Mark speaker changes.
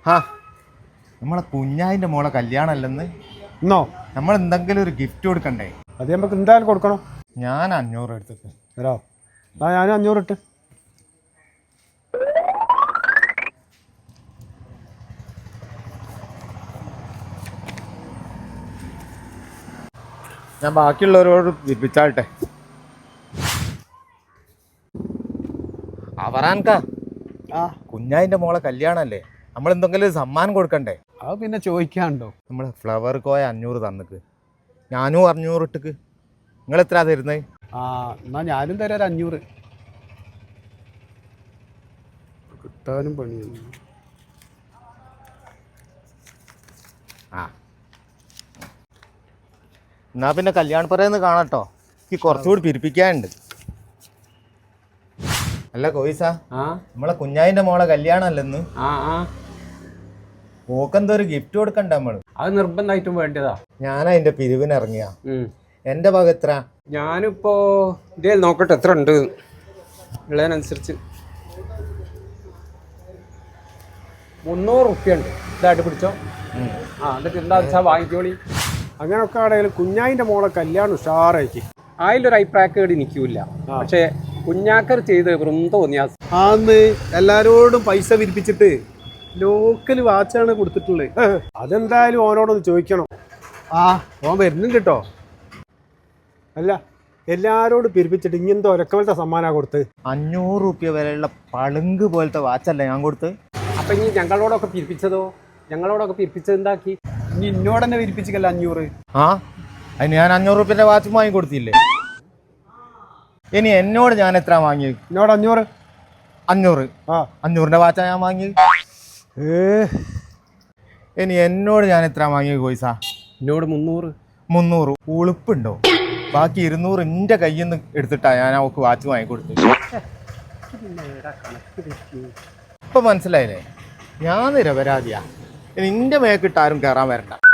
Speaker 1: ആ നമ്മളെ കുഞ്ഞായിൻ്റെ മോളെ കല്യാണമല്ലെന്ന്
Speaker 2: എന്നോ
Speaker 1: നമ്മൾ എന്തെങ്കിലും ഒരു ഗിഫ്റ്റ് കൊടുക്കണ്ടേ?
Speaker 2: അത് നമുക്ക് എന്തായാലും കൊടുക്കണം.
Speaker 1: ഞാൻ 500 എടുത്തിട്ട്
Speaker 2: തരോ? ഞാൻ 500 ഇട്ട്.
Speaker 1: ഞാൻ ബാക്കിയുള്ളവരോട് വിപ്പിച്ചാട്ടെ. അവറാൻകാ കുഞ്ഞായിൻ്റെ മോളെ കല്യാണമല്ലേ, നമ്മൾ എന്തെങ്കിലും ഒരു സമ്മാനം കൊടുക്കണ്ടേ?
Speaker 2: അത് പിന്നെ ചോദിക്കാണ്ടോ?
Speaker 1: നമ്മൾ ഫ്ലവർ കോയ 500 തന്നിക്ക്, ഞാനും 500 ഇട്ടിക്ക്. നിങ്ങൾ എത്ര തരുന്നത്?
Speaker 2: എന്നാ ഞാനും തരാം ഒരു 500. കിട്ടാനും പണിയാണ്.
Speaker 1: എന്നാ പിന്നെ കല്യാണപ്പുറേന്ന് കാണട്ടോ, എനിക്ക് കുറച്ചുകൂടി പിരിപ്പിക്കാനുണ്ട്. അല്ല കോയിസാ, നമ്മളെ കുഞ്ഞായിൻ്റെ മോളെ കല്യാണമല്ലെന്ന്, ഓക്കെന്തോ ഒരു ഗിഫ്റ്റ് കൊടുക്കണ്ട നമ്മള്?
Speaker 3: അത് നിർബന്ധമായിട്ടും വേണ്ടതാ.
Speaker 1: ഞാൻ അതിന്റെ പിരിവിന് ഇറങ്ങിയ എന്റെ ഭാഗം എത്ര?
Speaker 3: ഞാനിപ്പോ ഇതേ നോക്കട്ടെ എത്ര ഉണ്ട് ഉള്ളതിനനുസരിച്ച്. 300 റുപ്യ ഉണ്ട്. ഇതായിട്ട് പിടിച്ചോ. എന്നിട്ട് എന്താ വെച്ചാൽ വാങ്ങിക്കോളി.
Speaker 2: അങ്ങനൊക്കെ ആണെങ്കിലും കുഞ്ഞായിൻ്റെ മോളെ കല്യാണം ഉഷാറായിക്ക്.
Speaker 3: അതിലൊരു അഭിപ്രായക്കേട് നിൽക്കൂല. പക്ഷെ കുഞ്ഞാക്കർ ചെയ്ത് വെറും തോന്നിയാ.
Speaker 2: ആന്ന് എല്ലാരോടും പൈസ വിരിപ്പിച്ചിട്ട് ലോക്കൽ വാച്ചാണ് കൊടുത്തിട്ടുള്ളത്. അതെന്തായാലും ഓനോടൊന്ന് ചോദിക്കണം. ഓൻ വരുന്നുണ്ട് കേട്ടോ. അല്ല എല്ലാരോടും പിരിപ്പിച്ചിട്ട് ഇങ്ങനത്തെ ഒരക്കവലത്തെ സമ്മാനാ കൊടുത്ത്.
Speaker 1: 500 റുപ്യ വിലയുള്ള പളുങ്ക് പോലത്തെ വാച്ചല്ലേ ഞാൻ കൊടുത്ത്.
Speaker 3: അപ്പൊ ഇനി ഞങ്ങളോടൊക്കെ പിരിപ്പിച്ചതോ? ഞങ്ങളോടൊക്കെ പിരിപ്പിച്ചത് എന്താക്കി?
Speaker 2: ഇനി ഇന്നോട് തന്നെ വിരിപ്പിച്ചില്ല 500.
Speaker 1: അതിന് ഞാൻ 500 റുപ്യന്റെ വാച്ച് വാങ്ങി കൊടുത്തില്ലേ? ഇനി എന്നോട് ഞാൻ എത്ര വാങ്ങി?
Speaker 2: എന്നോട് 500.
Speaker 1: 500ന്റെ വാച്ചാ ഞാൻ വാങ്ങി. ഇനി എന്നോട് ഞാൻ എത്ര വാങ്ങി കോയിസാ?
Speaker 3: എന്നോട് 300.
Speaker 1: 300 ഉളുപ്പുണ്ടോ? ബാക്കി 200 എൻ്റെ കയ്യിൽ നിന്ന് എടുത്തിട്ടാ ഞാൻ അവൾക്ക് വാച്ച് വാങ്ങിക്കൊടുത്തു. ഇപ്പൊ മനസ്സിലായില്ലേ? ഞാൻ നിരപരാധിയാ. ഇനി എൻ്റെ മേക്കിട്ട് ആരും കയറാൻ വരണ്ട.